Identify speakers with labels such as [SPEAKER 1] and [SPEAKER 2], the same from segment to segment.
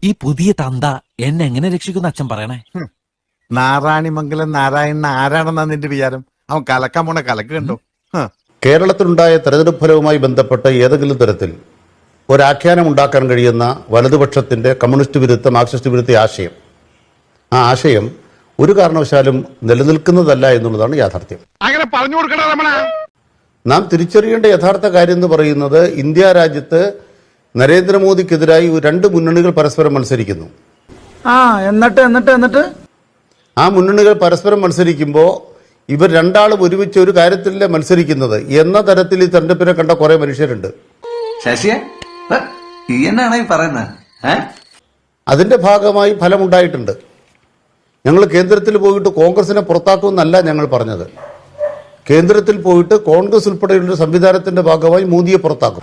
[SPEAKER 1] ഈ പുതിയ തന്ത എന്നെ എങ്ങനെ രക്ഷിക്കുന്ന അച്ഛൻ പറയണേ.
[SPEAKER 2] നാരായണിമംഗലം നാരായണൻ ആരാണെന്നാ നിന്റെ വിചാരം? അവൻ കലക്കാൻ പോണ കലക്ക് കണ്ടോ?
[SPEAKER 3] കേരളത്തിലുണ്ടായ തെരഞ്ഞെടുപ്പ് ഫലവുമായി ബന്ധപ്പെട്ട് ഏതെങ്കിലും തരത്തിൽ ഒരാഖ്യാനം ഉണ്ടാക്കാൻ കഴിയുന്ന വലതുപക്ഷത്തിന്റെ കമ്മ്യൂണിസ്റ്റ് വിരുദ്ധ മാർക്സിസ്റ്റ് വിരുദ്ധ ആശയം, ആ ആശയം ഒരു കാരണവശാലും നിലനിൽക്കുന്നതല്ല എന്നുള്ളതാണ് യാഥാർത്ഥ്യം.
[SPEAKER 2] അങ്ങനെ പറഞ്ഞു കൊടുക്കണ
[SPEAKER 3] നാം തിരിച്ചറിയേണ്ട യഥാർത്ഥ കാര്യം എന്ന് പറയുന്നത്, ഇന്ത്യ രാജ്യത്ത് നരേന്ദ്രമോദിക്കെതിരായി രണ്ട് മുന്നണികൾ പരസ്പരം മത്സരിക്കുന്നു.
[SPEAKER 4] എന്നിട്ട്
[SPEAKER 3] ആ മുന്നണികൾ പരസ്പരം മത്സരിക്കുമ്പോൾ ഇവർ രണ്ടാളും ഒരുമിച്ച് ഒരു കാര്യത്തിലല്ലേ മത്സരിക്കുന്നത് എന്ന തരത്തിൽ ഈ തെരഞ്ഞെടുപ്പിനെ കണ്ട കുറെ മനുഷ്യരുണ്ട്. അതിന്റെ ഭാഗമായി ഫലമുണ്ടായിട്ടുണ്ട്. ഞങ്ങൾ കേന്ദ്രത്തിൽ പോയിട്ട് കോൺഗ്രസിനെ പുറത്താക്കുമെന്നല്ല ഞങ്ങൾ പറഞ്ഞത്. കേന്ദ്രത്തിൽ പോയിട്ട് കോൺഗ്രസ് ഉൾപ്പെടെയുള്ള സംവിധാനത്തിന്റെ ഭാഗമായി മോദിയെ പുറത്താക്കും.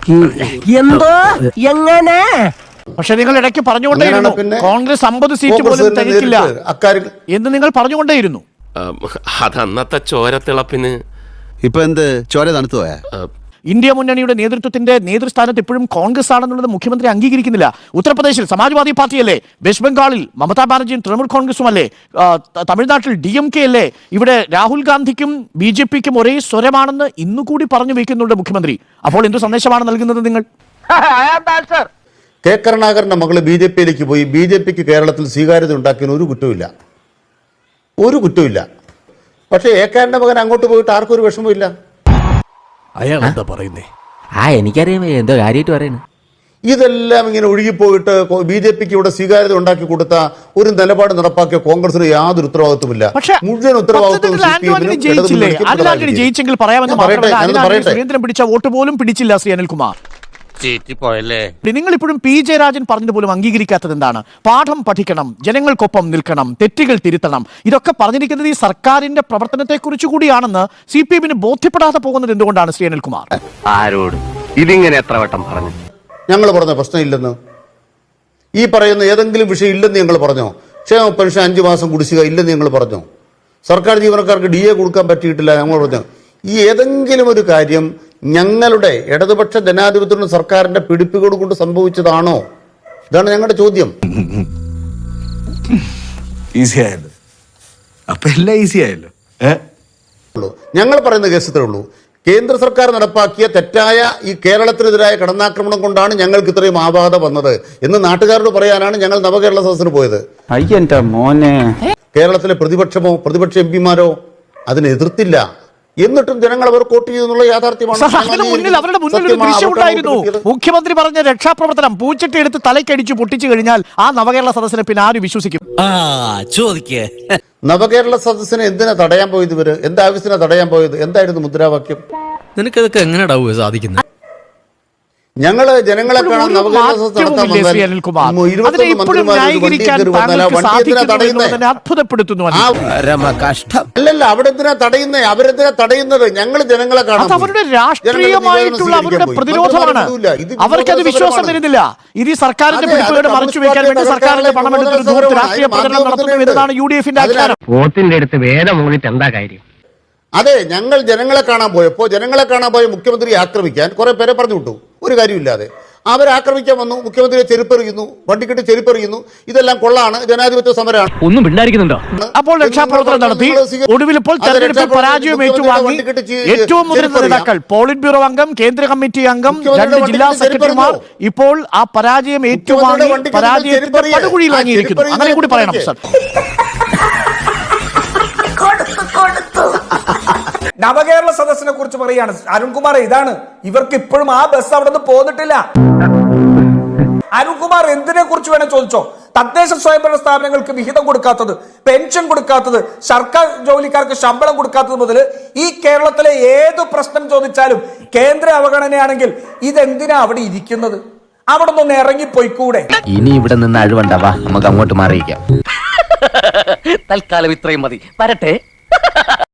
[SPEAKER 5] പക്ഷെ നിങ്ങൾ ഇടയ്ക്ക് പറഞ്ഞുകൊണ്ടേയിരുന്നു കോൺഗ്രസ് 50 സീറ്റ് പോലും തികക്കില്ല എന്ന് നിങ്ങൾ പറഞ്ഞുകൊണ്ടേയിരുന്നു.
[SPEAKER 6] അത് അന്നത്തെ ചോരത്തിളപ്പിന്
[SPEAKER 7] ഇപ്പൊ എന്ത് ചോര തണുത്തു പോയാ?
[SPEAKER 5] ഇന്ത്യ മുന്നണിയുടെ നേതൃത്വത്തിന്റെ നേതൃസ്ഥാനത്ത് ഇപ്പോഴും കോൺഗ്രസ് ആണെന്നുള്ളത് മുഖ്യമന്ത്രി അംഗീകരിക്കുന്നില്ല. ഉത്തർപ്രദേശിൽ സമാജ്വാദി പാർട്ടിയല്ലേ, വെസ്റ്റ് ബംഗാളിൽ മമതാ ബാനർജിയും തൃണമൂൽ കോൺഗ്രസും അല്ലേ, തമിഴ്നാട്ടിൽ DMK അല്ലേ, ഇവിടെ രാഹുൽ ഗാന്ധിക്കും BJPക്കും ഒരേ സ്വരമാണെന്ന് ഇന്നുകൂടി പറഞ്ഞു വയ്ക്കുന്നുണ്ട് മുഖ്യമന്ത്രി. അപ്പോൾ എന്തു സന്ദേശമാണ് നൽകുന്നത് നിങ്ങൾ?
[SPEAKER 3] കെ കരുണാകരന്റെ മകള് BJPയിലേക്ക് പോയി BJPക്ക് കേരളത്തിൽ സ്വീകാര്യത ഉണ്ടാക്കിയതിന് ഒരു കുറ്റമില്ല. പക്ഷേ ഏക്കാരന്റെ മകൻ അങ്ങോട്ട് പോയിട്ട് ആർക്കും ഒരു വിഷമമില്ല.
[SPEAKER 1] അയാൾ എന്താ പറയുന്നേ?
[SPEAKER 8] എനിക്കറിയാം എന്തോ കാര്യമായിട്ട് പറയുന്നു.
[SPEAKER 3] ഇതെല്ലാം ഇങ്ങനെ ഒഴുകിപ്പോയിട്ട് BJPക്ക് ഇവിടെ സ്വീകാര്യത ഉണ്ടാക്കി കൊടുത്ത ഒരു നിലപാട് നടപ്പാക്കിയ കോൺഗ്രസിന് യാതൊരു ഉത്തരവാദിത്വമില്ല. മുഴുവൻ ഉത്തരവാദിത്വം
[SPEAKER 5] ജയിച്ചെങ്കിൽ പറയാമെന്ന് സുരേന്ദ്രൻ പിടിച്ച വോട്ട് പോലും പിടിച്ചില്ല ശ്രീ അനിൽകുമാർ. നിങ്ങൾ ഇപ്പോഴും P ജയരാജൻ പറഞ്ഞത് പോലും അംഗീകരിക്കാത്തത് എന്താണ്? പാഠം പഠിക്കണം, ജനങ്ങൾക്കൊപ്പം നിൽക്കണം, തെറ്റുകൾ തിരുത്തണം, ഇതൊക്കെ പറഞ്ഞിരിക്കുന്നത് ഈ സർക്കാരിന്റെ പ്രവർത്തനത്തെ കുറിച്ച് കൂടിയാണെന്ന് CPM ബോധ്യപ്പെടാതെ പോകുന്നത് എന്തുകൊണ്ടാണ് ശ്രീ അനിൽകുമാർ?
[SPEAKER 6] ആരോട് ഇതിങ്ങനെ എത്ര വട്ടം പറഞ്ഞു?
[SPEAKER 3] ഞങ്ങൾ പറഞ്ഞ പ്രശ്നമില്ലെന്ന്, ഈ പറയുന്ന ഏതെങ്കിലും വിഷയം ഇല്ലെന്ന് ഞങ്ങൾ പറഞ്ഞോ? ക്ഷേമ പെൻഷൻ 5 മാസം കുടിശ്ശിക ഇല്ലെന്ന് ഞങ്ങൾ പറഞ്ഞോ? സർക്കാർ ജീവനക്കാർക്ക് DA കൊടുക്കാൻ പറ്റിയിട്ടില്ല ഞങ്ങൾ പറഞ്ഞു? ഈ ഏതെങ്കിലും ഒരു കാര്യം ഞങ്ങളുടെ ഇടതുപക്ഷ ജനാധിപത്യ സർക്കാരിന്റെ പിടിപ്പുകൾ കൊണ്ട് സംഭവിച്ചതാണോ? ഇതാണ് ഞങ്ങളുടെ ചോദ്യം. ഞങ്ങൾ പറയുന്ന കേസ് ഇത്രേ ഉള്ളൂ. കേന്ദ്ര സർക്കാർ നടപ്പാക്കിയ തെറ്റായ ഈ കേരളത്തിനെതിരായ കടന്നാക്രമണം കൊണ്ടാണ് ഞങ്ങൾക്ക് ഇത്രയും ആബാധ വന്നത് എന്ന് നാട്ടുകാരോട് പറയാനാണ് ഞങ്ങൾ നവകേരള സദസ്സിന് പോയത്. കേരളത്തിലെ പ്രതിപക്ഷമോ പ്രതിപക്ഷ MPമാരോ അതിനെ എതിർത്തില്ല. എന്നിട്ടും ജനങ്ങൾ അവർ വോട്ട് ചെയ്തെന്നുള്ള യാഥാർത്ഥ്യമാണ്.
[SPEAKER 5] അവരുടെ മുന്നിൽ ഒരു ദൃശ്യമുണ്ടായിരുന്നു. മുഖ്യമന്ത്രി പറഞ്ഞ രക്ഷാപ്രവർത്തനം പൂച്ചട്ടി എടുത്ത് തലക്കടിച്ചു പൊട്ടിച്ചു കഴിഞ്ഞാൽ ആ നവകേരള സദസ്സിനെ പിന്നെ ആര് വിശ്വസിക്കും?
[SPEAKER 3] നവകേരള സദസ്സിനെ എന്തിനാ തടയാൻ പോയത്? ഇവര് എന്താവശ്യത്തിനാ തടയാൻ പോയത്? എന്തായിരുന്നു മുദ്രാവാക്യം?
[SPEAKER 1] നിനക്കതൊക്കെ എങ്ങനെയാ സാധിക്കുന്നത്?
[SPEAKER 3] ഞങ്ങള് ജനങ്ങളെ കാണാൻ നവകേരള സദസ്സ് നടത്താൻ അല്ലല്ല, അവിടെ എന്തിനാ തടയുന്നത്? അവരെന്തിനാ തടയുന്നത്? ഞങ്ങൾ ജനങ്ങളെ കാണാൻ.
[SPEAKER 5] അവരുടെ രാഷ്ട്രീയമായിട്ടുള്ള അവരുടെ പ്രതിരോധമാണ്. അവർക്കത് വിശ്വാസം വരുന്നില്ല. ഇത് ഈ സർക്കാരിന്റെ പിടിപ്പുകൾ മറച്ചു വെക്കാൻ വേണ്ടി സർക്കാരിന്റെ പണമെടുത്തൊരു രാഷ്ട്രീയ പ്രചരണം നടത്തുന്നു എന്നതാണ് UDFന്റെ ആചാരം.
[SPEAKER 6] വോട്ടിന്റെ അടുത്ത് വേദം മൂന്നിട്ട് എന്താ കാര്യം?
[SPEAKER 3] അതെ, ഞങ്ങൾ ജനങ്ങളെ കാണാൻ പോയപ്പോൾ ജനങ്ങളെ കാണാൻ പോയ മുഖ്യമന്ത്രിയെ ആക്രമിക്കാൻ കുറെ പേരെ പറഞ്ഞു വിട്ടു, ഒരു കാര്യമില്ലാതെ. അവരാക്രമിക്കാൻ വന്നു, മുഖ്യമന്ത്രിയെ ചെരുപ്പെറിയുന്നു, വണ്ടിക്കെട്ട് ചെരുപ്പെറിയുന്നു. ഇതെല്ലാം കൊള്ളാണ്, ജനാധിപത്യ സമരമാണ്.
[SPEAKER 5] ഒന്നും പിണ്ടായിരിക്കുന്നുണ്ടോ? അപ്പോൾ രക്ഷാപ്രവർത്തനം നടത്തി ഒടുവിൽ ഇപ്പോൾ തെരഞ്ഞെടുപ്പിൽ പരാജയം ഏറ്റുവാങ്ങി ഏറ്റവും മുതിർന്ന നേതാക്കൾ, പോളിറ്റ് ബ്യൂറോ അംഗം, കേന്ദ്ര കമ്മിറ്റി അംഗം, 2 ജില്ലാ സെക്രട്ടറിമാർ ഇപ്പോൾ ആ പരാജയം ഏറ്റുവാങ്ങി പരാജയത്തിന്റെ പടുകുഴിയിൽ വാങ്ങിയിരിക്കുന്നു. അങ്ങനെ കൂടി പറയണം സർ.
[SPEAKER 4] നവകേരള സദസ്സിനെ കുറിച്ച് പറയാണ് അരുൺകുമാർ. ഇതാണ് ഇവർക്ക് ഇപ്പോഴും ആ ബസ് അവിടെ നിന്ന് പോന്നിട്ടില്ല. അരുൺകുമാർ എന്തിനെ കുറിച്ച് വേണേ ചോദിച്ചോ. തദ്ദേശ സ്വയംഭരണ സ്ഥാപനങ്ങൾക്ക് വിഹിതം കൊടുക്കാത്തത്, പെൻഷൻ കൊടുക്കാത്തത്, സർക്കാർ ജോലിക്കാർക്ക് ശമ്പളം കൊടുക്കാത്തത് മുതൽ ഈ കേരളത്തിലെ ഏത് പ്രശ്നം ചോദിച്ചാലും കേന്ദ്ര അവഗണനയാണെങ്കിൽ ഇതെന്തിനാ അവിടെ ഇരിക്കുന്നത്? അവിടെ നിന്ന് ഇറങ്ങിപ്പോയിക്കൂടെ?
[SPEAKER 8] ഇനി ഇവിടെ നിന്ന് അഴിവണ്ടാവാ, നമുക്ക് അങ്ങോട്ട് മാറിയിക്കാം.
[SPEAKER 6] തൽക്കാലം ഇത്രയും മതി. വരട്ടെ.